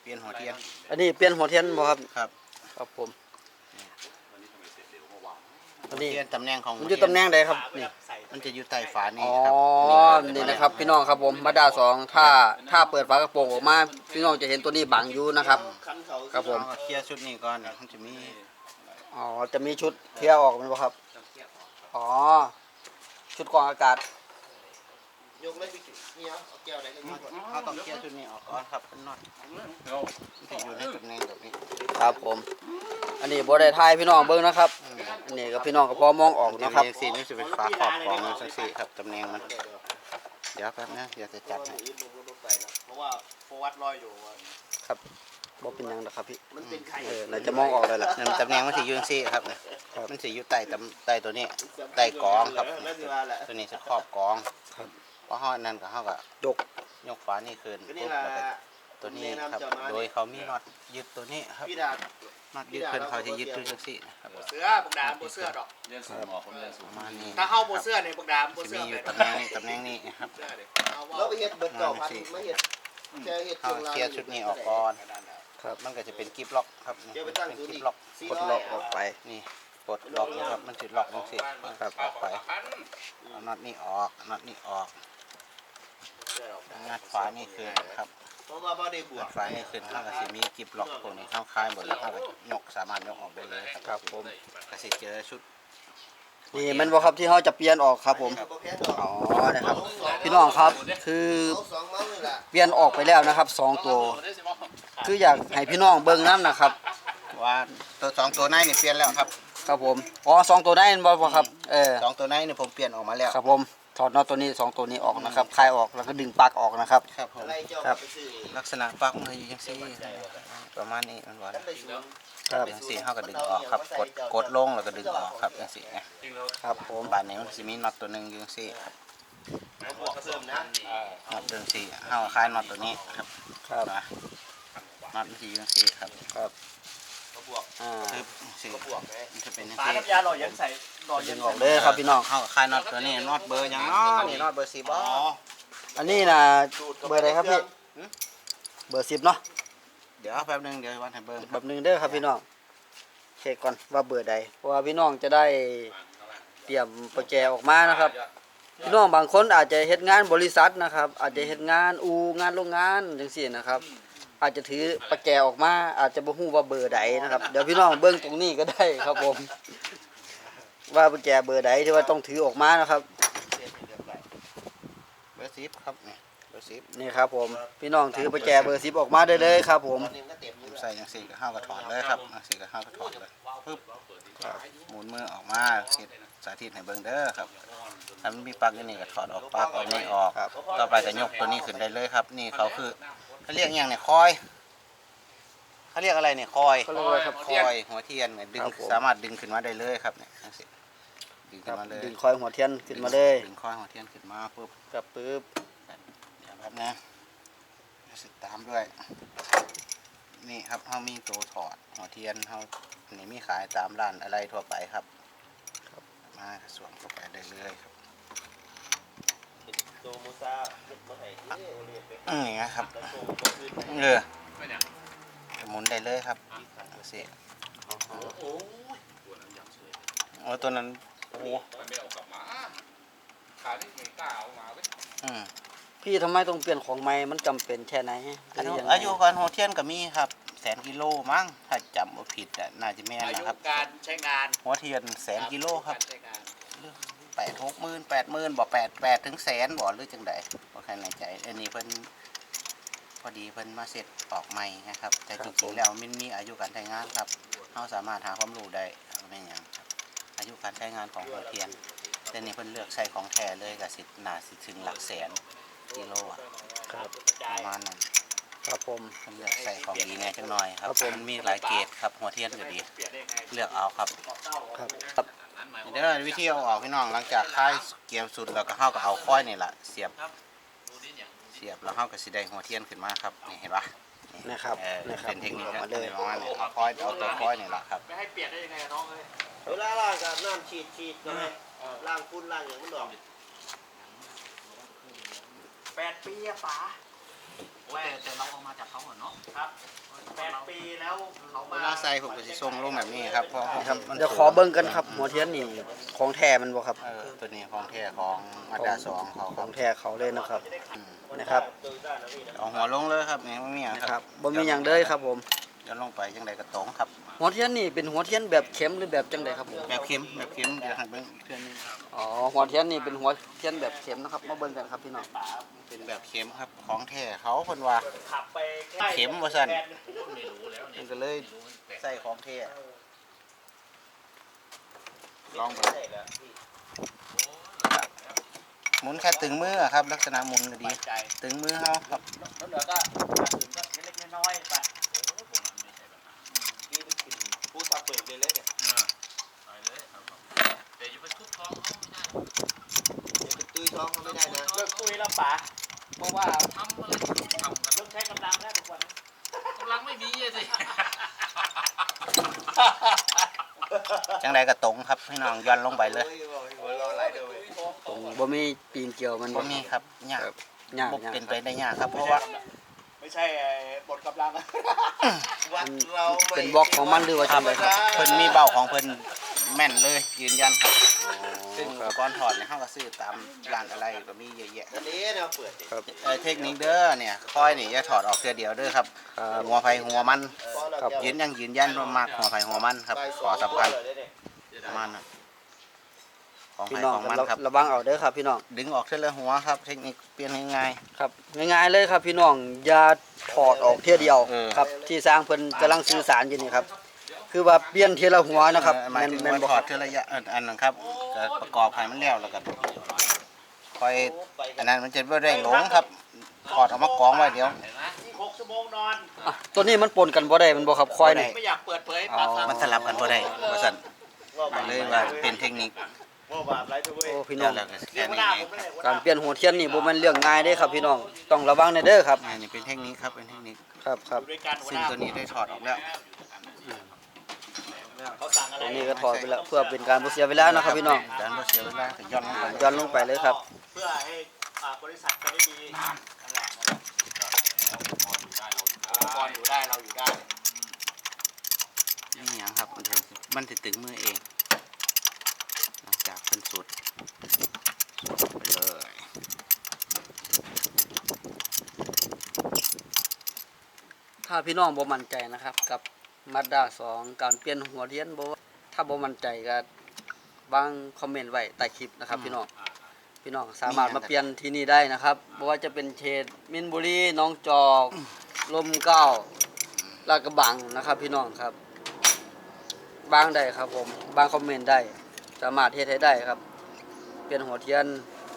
เปลี่ยนหัวเทียนอันนี้เปลี่ยนหัวเทียนบ่ครับครับครับผมอันนี้ตำแหน่งของมันอยู่ตำแหน่งใดครับนี่มันจะอยู่ใต้ฝานี่อ๋อครับนี่นะครับพี่น้องครับผมมาด้า2ถ้าเปิดฝากระโปรงออกมาพี่น้องจะเห็นตัวนี้บังอยู่นะครับครับผมเคลียร์ชุดนี้ก่อนมันจะมีอ๋อจะมีชุดเคลียร์ออกมันบ่ครับอ๋อชุดกรองอากาศยกเลยพี่นี่เอาแก้วไหนก็ยกเขาต้องเคลียร์ชุดนี้ออกก่อนครับเป็นน็อตมันจะอยู่ในตำแหน่งแบบนี้ครับผมอันนี้บ่ได้ทายพี่น้องเบิ่งนะครับอันนี้ก็พี่น้องก็พอมองออกนะครับสีนี่จะเป็นฝาขอบของมันสักสีครับตำแหน่งมันเดี๋ยวแป๊บนะเดี๋ยวจะจัดให้เพราะว่าโฟวัดลอยอยู่ครับบ่เป็นหยังนะครับพี่มันเป็นไข่น่าจะมองออกเลยล่ะตำแหน่งมันสีอยู่สีครับเนี่ยมันสีอยู่ใต้ตัวนี้ใต้กองครับตัวนี้จะครอบกองเพราะห้อนั่นกับห้อกับยกฝานี่คืนปุ๊บแล้วก็ตัวนี้ครับโดยเขามีน็อตยึดตัวนี้ครับน็อตยึดขึ้นเขาจะยึดด้วยจังซี่ครับเสื้อบักดามโบเสื้อดอกประมาณนี้ถ้าเข้าโบเสื้อในบักดามโบเสื้อมีอยู่ตำแหน่งนี้ครับแล้วไปเฮ็ดเบิดเก่าพันไม่เฮ็ดเขาเคลียร์ชุดนี้ออกก่อนครับมันก็จะเป็นกิฟล็อกครับเป็นกิฟล็อกกดล็อกออกไปนี่กดล็อกนะครับมันจะล็อกจังซี่ครับออกไปเอาน็อตนี้ออกน็อตนี้ออกงัดฝานี่คืนครับงัดฝานี่คืนเขาก็จะมีกิฟล็อกพวกนี้เข้าคลายหมดแล้วเขาก็ยกสามารถยกออกได้เลยครับผมก็สิเจอชุดนี่มันบ่ครับที่เขาจะเปลี่ยนออกครับผมอ๋อนะครับพี่น้องครับคือเปลี่ยนออกไปแล้วนะครับ2ตัวคืออยากให้พี่น้องเบิ่งน้ำนะครับว่าตัว2ตัวในนี่เปลี่ยนแล้วครับครับผมอ๋อ2ตัวในบ่ครับ 2ตัวในนี่ผมเปลี่ยนออกมาแล้วครับผมถอดน็อตตัวนี้2ตัวนี้ออกนะครับคลายออกแล้วก็ดึงปลั๊กออกนะครับครับผมครับลักษณะปลั๊กมันอยู่จังซี่ประมาณนี้มันว่าครับจังซี่เฮาก็ดึงออกครับกดลงแล้วก็ดึงออกครับจังซี่ครับผมบาดนี้มันสิมีน็อตตัวนึงอยู่จังซี่ครับน็อตตัวซี่เฮาคลายน็อตตัวนี้ครับครับน็อตมันสิอยู่จังซี่ครับครับคือสิมันจะเป็นจังซี่ฝาน้ำยาหล่อยันใส่หล่อยันออกเลยครับพี่น้องเฮาคลายน็อตตัวนี้น็อตเบอร์หยังเนาะนี่น็อตเบอร์10บ่อันนี้น่ะเบอร์ใดครับพี่เบอร์10เนาะเดี๋ยวแป๊บนึงเดี๋ยววันให้เบิ่งแบบนึงเด้อครับพี่น้องเช็คก่อนว่าเบอร์ใดเพราะว่าพี่น้องจะได้เตรียมประแจออกมานะครับพี่น้องบางคนอาจจะเฮ็ดงานบริษัทนะครับอาจจะเฮ็ดงานงานโรงงานจังซี่นะครับอาจจะถือประแจออกมาอาจจะบ่ฮู้ว่าเบอร์ใดนะครับเดี๋ยวพี่น้องเบิ่งตรงนี้ก็ได้ครับผมว่าประแจเบอร์ใดที่ว่าต้องถือออกมานะครับเบอร์10ครับนี่เบอร์10 นี่ครับผมพี่น้องถือประแจเบอร์10ออกมาได้เลยครับผมใส่จังซี่ก็เฮาก็ถอดเลยครับจังซี่ก็เฮาก็ถอดเลยปึ๊บหมุนมือออกมาเฮ็ดสาธิตให้เบิ่งเด้อครับถ้ามันมีปลั๊กอยู่นี่ก็ถอดออกปลั๊กออกนี่ออกต่อไปก็ยกตัวนี้ขึ้นได้เลยครับนี่เขาคือเขาเรียกอย่างเนี่ยคอยเขาเรียกอะไรเนี่ยคอยคอยหัวเทียนเนี่ยดึงสามารถดึงขึ้นมาได้เลยครับเนี่ยดึงขึ้นมาเลยดึงคอยหัวเทียนขึ้นมาเลยดึงคอยหัวเทียนขึ้นมาปุ๊บกับปึ๊บเดี๋ยวครับนะสิตามด้วยนี่ครับเขามีตัวถอดหัวเทียนเขานี่มีขายตามร้านอะไรทั่วไปครับมาสวมเข้าไปได้เลยครับนี่นะครับหมุนได้เลยครับเสียโอ้ตัวนั้นโอ้พี่ทำไมต้องเปลี่ยนของใหม่มันจำเป็นแค่ไหนอายุการหัวเทียนก็มีครับ100,000 กิโลมั้งถ้าจำว่าผิดน่าจะแม่นนะครับการใช้งานหัวเทียน100,000 กิโลครับ60,000 80,000บ่8ถึง100,000บ่หรือจังใดบ่ใครในใจอันนี้เพิ่นพอดีเพิ่นมาเสร็จออกใหม่นะครับแต่จริงๆแล้วมันมีอายุการใช้งานครับเราสามารถหาความรู้ได้ไม่หยังอายุการใช้งานของหัวเทียนแต่นี่เพิ่นเลือกใช้ของแท้เลยก็สิน่าสิถึงหลักแสนกิโลครับประมาณนั้นครับผมเลือกใส่ของดีแน่จังหน่อยครับมันมีหลายเกรดครับหัวเทียนก็ดีเลือกเอาครับครับเดี๋ยววิธีเอาออกพี่น้องหลังจากคลายเกียร์สุดแล้วก็เฮาก็เอาค้อยนี่แหละเสียบแล้วเฮาก็สิได้หัวเทียนขึ้นมาครับนี่เห็นปะนะครับเป็นเทคนิคมาเลยประมาณนี้เอาค้อยเอาตัวค้อยนี่แหละครับไม่ให้เปลี่ยนได้ยังไงน้องเอ้ยเวลาล้างกับน้ำฉีดเลยล้างฝุ่นล้างอย่างมันดอก8 ปีอะป๋าแต่เราเอามาจากเขาเหรอเนาะครับเขาเวมาลาใส่ผมก็สิส่งลงแบบนี้ครับเพราะครับมันเดี๋ยวขอเบิ่งกันครับหัวเทียนนี่ของแท้มันบ่ครับตัวนี้ของแท้ของมาดา2เขาขครัอบ งแท้เขาเลยนะครับอืมนะครับเอาหัวลงเลยครับนี่ไม่มีหยังนะคครัรับบบ่มีหยังเลยครับผมเดี๋ยวลงไปจังไดก็ตรงครับหัวเทียนนี่เป็นหัวเทียนแบบเข็มหรือแบบจังไดครับผมแบบเข็มเดี๋ยวให้เบิ่งอีกเทื่อนึงอ๋อหัวเทียนนี่เป็นหัวเทียนแบบเข็มนะครับมาเบิ่งกันครับพี่น้องเป็นแบบเข็มครับของแท้เขาเพิ่นว่าขับไปเข็มว่าซั่นแทมันก็เลยใส่ของแท้ลองไปหมุนแค่ตึงมือครับ ลักษณะหมุนก็ดีใจตึงมือเฮาครับแล้วเหลือก็อื่นก็เล็กๆน้อยๆไปนี่มันกินผู้สับเบิกเลยเนี่ยแต่อย่าไปทุบท้องเขาไม่ได้เดี๋ยวจะตุ้ยท้องเขาไม่ได้นะเลิเลิกกตุ้ตุ้ยยแล้แล้ว วป๋าป๋าเพราะว่าทำอะไรที่ทำกันเริ่มใช้กำลังแล้วทุกวันกำลังไม่มีอะสิจังไดก็ตรงครับพี่น้องย้อนลงไปเลยหัวรอไหลเด้อเว้ยตรงบ่มีปีนเกี่ยวมันบ่มีครับยากยากบ่ยากเป็นไปได้ยากครับเพราะว่าไม่ใช่บทกำลังวัดเราไม่เป็นบล็อกของมันหรือว่าจังไดครับเพิ่นมีเบ้าของเพิ่นแม่นเลยยืนยันครับ ซึ่งครับก่อนถอดเนี่ยเฮาก็ซื้อตามร้านอะไรก็มีเยอะแยะอันนี้เราเปิดดิครับเทคนิคเด้อเนี่ยค่อยนี่อย่าถอดออกเทื่อเดียวเด้อครับครับหัวไผหัวมันครับยืนยันว่ามากหัวไผหัวมันครับขอสำคัญประมาณนั้นของพี่ไผน้องของก็มันครับระวังเอาเด้อครับพี่น้องดึงออกเทื่อละหัวครับเทคนิคเปลี่ยนง่ายครับง่ายๆเลยครับพี่น้องอย่าถอดออกเทียเดียวเออครับที่สร้างเพิ่นกำลังสื่อสารอยู่นี่ครับคือว่าเปลี่ยนทีละหัวนะครับหมายถึงแม่นว่าบ่ถอดเทื่อระยะอันนั้นครับก็ประกอบให้มันแล้วแล้วก็ค่อยอันนั้นมันจะบ่ได้หลงครับถอดออกมากองไว้เดี๋ยว 6 ชั่วโมงนอนอ่ะตัวนี้มันปนกันบ่ได้มันบ่ครับคอยนี่ไม่อยากเปิดเผยอ๋อมันสลับกันบ่ได้ว่าซั่นเลยว่าเป็นเทคนิคว่าบาปไรทุกเว้ยโอ้พี่น้เดี๋อย งวแล้วก็เรีแค่ยกหัวนี้หน้าเอผงมไม่ได้หัวหกาน้ารเปลี่ยนหัวเทียนนี่บ่แม่นเรื่องง่ายเด้ครับพี่น้องต้องระวังในเด้อครับอันนี้เป็นเทคนิคครับเป็นเทคนิคครับครับอยู่ด้วยกันหัวซึ่หงน้าตัวนี้ได้ถอดออกแล้วเขาสั่งอะไรตัวนี้ก็ถอดไปแล้วเพื่อเป็นการบ่เสียเวลานะครับพี่น้องการบ่เสียเวลาก็ย้อนลงไปย้อนลงไปเลยครับเพื่อให้บริษัทไปได้ดีนั่นแหละองค์กรอยู่ได้เราอยู่ได้นี่หยังครับมันสิตึงมือเองหลังจากเป็นสุดไปเลยถ้าพี่น้องบ่มั่นใจนะครับ กับ Mazda 2 การเปลี่ยนหัวเทียนบ่ถ้าบ่มั่นใจก็วางคอมเมนต์ไว้ใต้คลิปนะครับพี่น้องพี่น้องสามารถมาเปลี่ยนที่นี่ได้นะครับบ่ว่าจะเป็นเขตมินบุรีหนองจอกลมเกล้าลาดกระบังนะครับพี่น้องครับบางได้ครับผมบางคอมเมนต์ได้สามารถเฮ็ดให้ได้ครับ เปลี่ยนหัวเทียน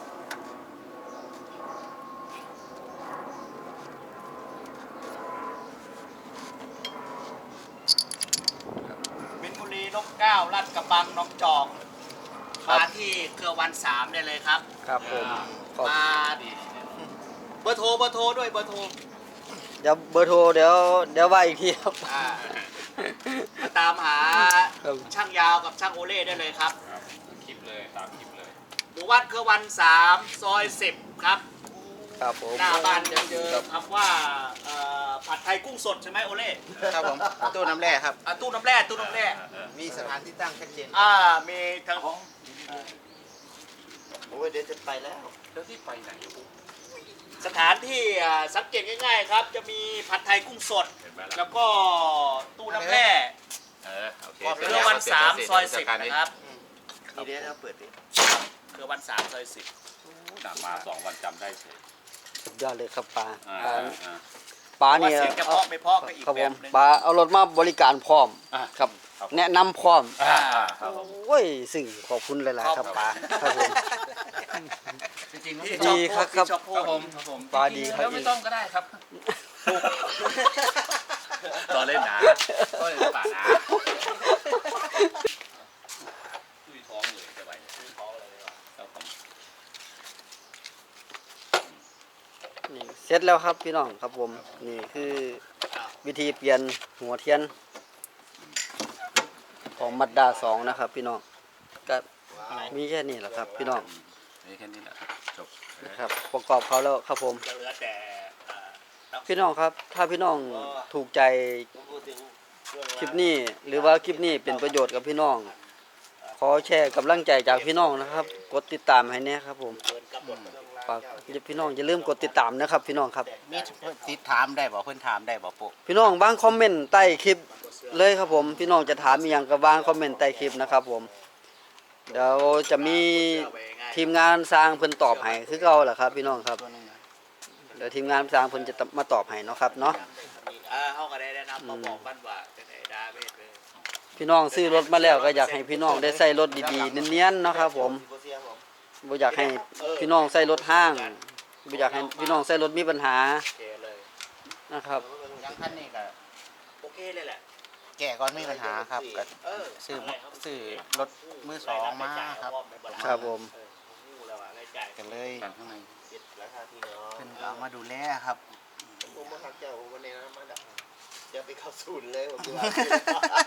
มินบุรีนกเก้าลาดกระบังหน้องจอกมาที่เครือวัน3ได้เลยครับครับผมขอบมาเบอร์โทรด้วยเบอร์โทรเดี๋ยวเบอร์โทรเดี๋ยวว่าอีกทีครับมาตามหาครับช่างยาวกับช่างโอเล่ได้เลยครับคลิปเลยตามคลิปเลยหมู่บ้านเครือวัน3ซอย10ครับครับผมหน้าบ้านจะเจอคำว่าผัดไทยกุ้งสดใช่ไหมโอเล่ครับผมตู้น้ำแร่ครับตู้น้ำแร่ตู้น้ำแร่มีสถานที่ตั้งชัดเจนมีทางโอ้ยเดี๋ยวจะไปแล้วแล้วที่ไปไหนอยู่สถานที่สังเกตง่ายๆครับ จะมีผัดไทยกุ้งสดเห็นไหมล่ะแล้วก็ตู้น้ำแร่โอเคเครือวัน3ซอย10นะครับนี่เดี๋ยวเราเปิดดิเครือวัน3ซอย10 นานมา2 วันจำได้เฉยสุดยอดเลยครับปลาอ่าปลาว่านี่เสียงจะเพาะไม่เพาะก็อีกครับแบผบมหนึงปลาเอารถมาบริการพร้อมอ่าครับครับแนะนำพร้อมครับผมโอ้ยสิ่งขอบคุณหลายๆครับปลาครับผมจริงๆที่ดีชอบครับชอบพูครัดบผมครับผมปลาดีครับแล้วไม่ต้องก็ได้ครับต่อเล่นนะต่อเล่นป่านะตุ้ยท้องเลยจะไปตุ้ยท้องเลยครับผมนี่เสร็จแล้วครับพี่น้องครับผมนี่คือวิธีเปลี่ยนหัวเทียนของมัดดา2นะครับพี่น้องก็มีแค่นี้แหละครับพี่น้องนี่แค่นี้แหละจบนะครับประกอบเขาแล้วครับผมจะเหลือแต่พี่น้องครับ ถ้าพี่น้องถูกใจพูดถึงคลิปนี้หรือว่าคลิปนี้เป็นประโยชน์กับพี่น้อง ขอแชร์กำลังใจจากพี่น้องนะครับ กดติดตามให้แน่ครับผมฝากพี่น้องอย่าลืมกดติดตามนะครับ พี่น้องครับมีติดถามได้บ่เพิ่นถามได้บ่ปุ๊พี่น้องบางคอมเมนต์ใต้คลิปเลยครับผมพี่น้องจะถามอีหยังก็วางคอมเมนต์ใต้คลิปนะครับผมเดี๋ยวจะมีทีมงานสร้างเพิ่นตอบให้คือเก่าแหละครับ พี่น้องครับเดี๋ยวทีมงานสร้างเพิ่นจะมาตอบให้เนาะครับเนาะเขาก็ได้แนะนำมาบอกบ้านว่าเป็นไอ้ดาเมจเลยพี่น้องซื้อรถมาแล้วก็อยากให้พี่น้องได้ใส่รถดีๆเนียนๆเนาะครับผมบ่อยากให้พี่น้องใส่รถห้างบ่อยากให้พี่น้องใส่รถมีปัญหาโอเคเลยนะครับยังคันนี้ก็โอเคเลยแหละแก่ก่อนมีปัญหาครับก็ซื้อรถมือสองมาครับครับผมกันเลยข้างในเพิ่นเอามาดูแลครับผมมาทักเจ้าผมวันนี้นะมาดักจะไปเข้าศูนย์เลยผมจะ